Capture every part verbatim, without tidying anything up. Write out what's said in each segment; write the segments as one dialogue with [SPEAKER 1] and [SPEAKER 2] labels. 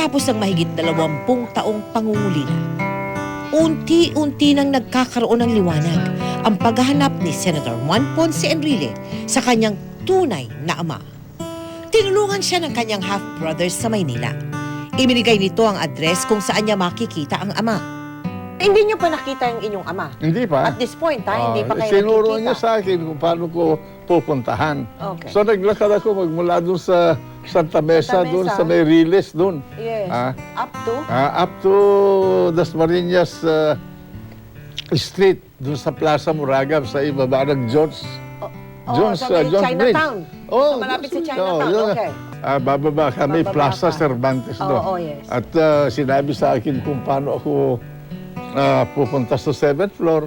[SPEAKER 1] Matapos ang mahigit dalawampung taong pangungulila, unti-unti nang nagkakaroon ng liwanag ang paghahanap ni Senator Juan Ponce Enrile sa kanyang tunay na ama. Tinulungan siya ng kanyang half-brothers sa Maynila. Ibinigay nito ang address kung saan niya makikita ang ama. Hindi niyo pa nakita yung inyong ama?
[SPEAKER 2] Hindi pa.
[SPEAKER 1] At this point, ha? Hindi pa
[SPEAKER 2] Ah,
[SPEAKER 1] kayo
[SPEAKER 2] sinuro
[SPEAKER 1] nakikita?
[SPEAKER 2] niya sa akin kung paano ko pupuntahan.
[SPEAKER 1] Okay.
[SPEAKER 2] So naglakad ako magmula doon sa Santa Mesa,
[SPEAKER 1] Santa
[SPEAKER 2] doon
[SPEAKER 1] Mesa.
[SPEAKER 2] sa may Riles doon.
[SPEAKER 1] Yes.
[SPEAKER 2] Ah,
[SPEAKER 1] Up to?
[SPEAKER 2] ah, up to Dasmariñas uh, Street, doon sa Plaza Muragab, sa ibaba ng Jones.
[SPEAKER 1] Oh,
[SPEAKER 2] Jones,
[SPEAKER 1] sa may
[SPEAKER 2] uh, Jones
[SPEAKER 1] Chinatown.
[SPEAKER 2] Bridge. Oh,
[SPEAKER 1] So, malapit sa
[SPEAKER 2] Jones-
[SPEAKER 1] Chinatown,
[SPEAKER 2] oh, yun.
[SPEAKER 1] okay.
[SPEAKER 2] Ah, bababa kami,
[SPEAKER 1] Bababa
[SPEAKER 2] Plaza
[SPEAKER 1] ka.
[SPEAKER 2] Cervantes
[SPEAKER 1] Oo,
[SPEAKER 2] doon.
[SPEAKER 1] oh, yes.
[SPEAKER 2] At ah, sinabi sa akin kung paano ako ah, pupunta sa seventh floor.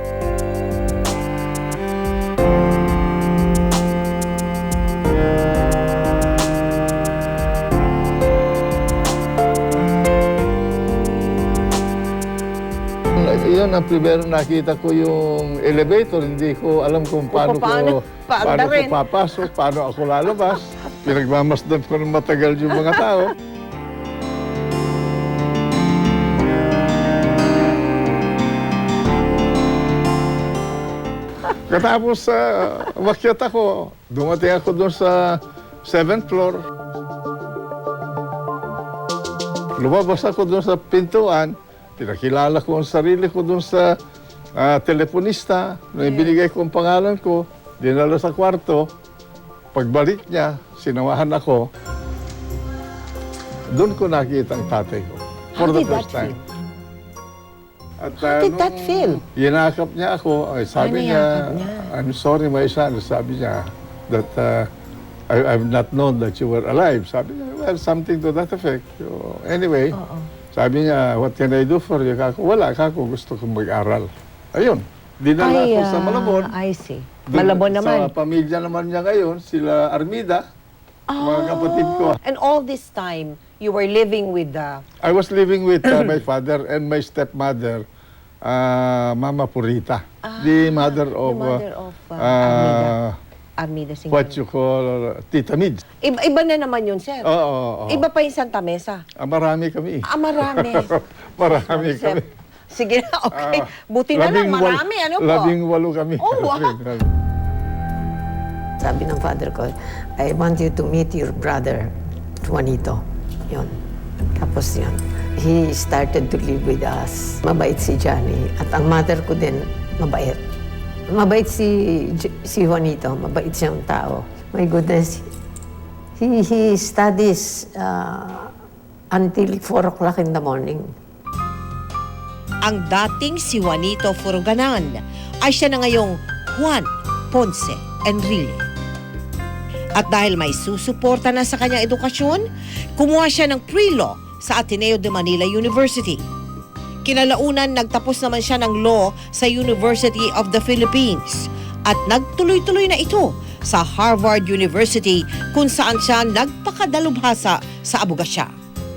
[SPEAKER 2] Yun ang primero nakita ko yung elevator. Hindi ko alam kung paano,
[SPEAKER 1] paano-
[SPEAKER 2] ko,
[SPEAKER 1] paano
[SPEAKER 2] paano ko
[SPEAKER 1] rin.
[SPEAKER 2] papasok, paano ako lalabas. Pinagmamasdan ko ng matagal yung mga tao. Katapos sa uh, wakyat ako, dumating ako doon sa seventh floor. Lumabas ako doon sa pintuan, pinakilala ko ang sarili ko doon sa ah, teleponista. Nung ibinigay ko ang pangalan ko, dinala sa kwarto. Pagbalik niya, sinamahan ako. Doon ko nakita ang tatay ko. For
[SPEAKER 1] How
[SPEAKER 2] the
[SPEAKER 1] did
[SPEAKER 2] first
[SPEAKER 1] that
[SPEAKER 2] time. At,
[SPEAKER 1] How did that
[SPEAKER 2] nung
[SPEAKER 1] feel?
[SPEAKER 2] Yinakap niya ako. Ay, sabi
[SPEAKER 1] Ano
[SPEAKER 2] niya,
[SPEAKER 1] yakap niya?
[SPEAKER 2] I'm sorry, my son. Sabi niya that uh, I, I've not known that you were alive. Sabi niya, well, something to that effect. So, anyway,
[SPEAKER 1] Oo.
[SPEAKER 2] sabi niya, what can I do for you? Kako, wala, kako, gusto kong mag-aral. Ayun, dinala ko sa
[SPEAKER 1] ah,
[SPEAKER 2] Malabon.
[SPEAKER 1] I see.
[SPEAKER 2] Dun-
[SPEAKER 1] Malabon naman.
[SPEAKER 2] Sa pamilya naman niya ngayon, sila Armida, mga kapatid ko.
[SPEAKER 1] And all this time, you were living with the...
[SPEAKER 2] I was living with uh, my father and my stepmother, uh, Mama Purita, the mother of,
[SPEAKER 1] the mother
[SPEAKER 2] uh,
[SPEAKER 1] of uh,
[SPEAKER 2] uh,
[SPEAKER 1] Armida. Armida Singh.
[SPEAKER 2] what you call uh, Tita Mids.
[SPEAKER 1] Iba, iba na naman yun, sir.
[SPEAKER 2] Oo, oo, oo.
[SPEAKER 1] Iba pa yung Santa Mesa.
[SPEAKER 2] Ah, marami kami.
[SPEAKER 1] Ah, marami.
[SPEAKER 2] marami
[SPEAKER 1] Sir,
[SPEAKER 2] kami.
[SPEAKER 1] sige na, okay.
[SPEAKER 2] Ah,
[SPEAKER 1] Buti na lang,
[SPEAKER 2] labing wal-
[SPEAKER 1] marami. Ano po?
[SPEAKER 2] Labing walo kami.
[SPEAKER 1] Oh, wow.
[SPEAKER 3] Sabi ng father ko, I want you to meet your brother, Juanito. Yun. Tapos yun. He started to live with us. Mabait si Johnny. At ang mother ko din, mabait. Mabait si, J- si Juanito. Mabait siyang tao. My goodness. He, he studies uh, until four o'clock in the morning.
[SPEAKER 1] Ang dating si Juanito Furuganan ay siya na ngayong Juan Ponce Enrile. At dahil may susuporta na sa kanyang edukasyon, kumuha siya ng pre-law sa Ateneo de Manila University. Kinalaunan, nagtapos naman siya ng law sa University of the Philippines at nagtuloy-tuloy na ito sa Harvard University kung saan siya nagpakadalubhasa sa abogasya.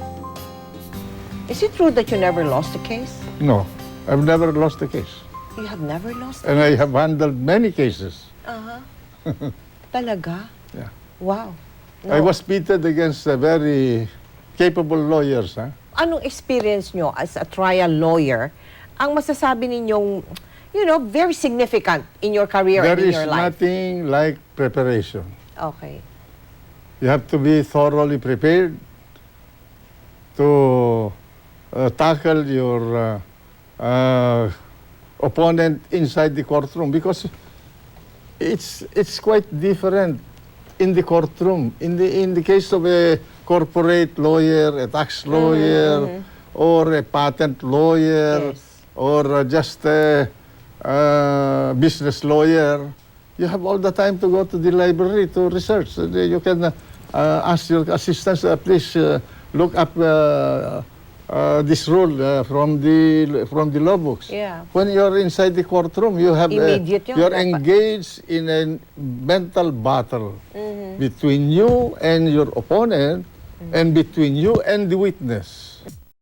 [SPEAKER 1] Is it true that you never lost a case?
[SPEAKER 2] No, I've never lost a case.
[SPEAKER 1] You have never lost
[SPEAKER 2] And I have handled many cases.
[SPEAKER 1] Uh-huh. Talaga?
[SPEAKER 2] Yeah.
[SPEAKER 1] Wow.
[SPEAKER 2] I was pitted against uh, very capable lawyers. Huh?
[SPEAKER 1] Anong experience nyo as a trial lawyer ang masasabi ninyong, you know, very significant in your career
[SPEAKER 2] There
[SPEAKER 1] and in
[SPEAKER 2] is
[SPEAKER 1] your life?
[SPEAKER 2] nothing like preparation.
[SPEAKER 1] Okay.
[SPEAKER 2] You have to be thoroughly prepared to uh, tackle your uh, uh, opponent inside the courtroom because it's it's quite different in the courtroom. In the in the case of a corporate lawyer, a tax lawyer, or a patent lawyer,
[SPEAKER 1] Yes.
[SPEAKER 2] or uh, just a uh, business lawyer, you have all the time to go to the library to research. Uh, You can uh, uh, ask your assistants, uh, please uh, look up uh, uh, this rule uh, from the from the law books.
[SPEAKER 1] Yeah.
[SPEAKER 2] When you're inside the courtroom, you have uh,
[SPEAKER 1] Immediate yun,
[SPEAKER 2] you're
[SPEAKER 1] dapat.
[SPEAKER 2] engaged in a mental battle between you and your opponent, and between you and the witness.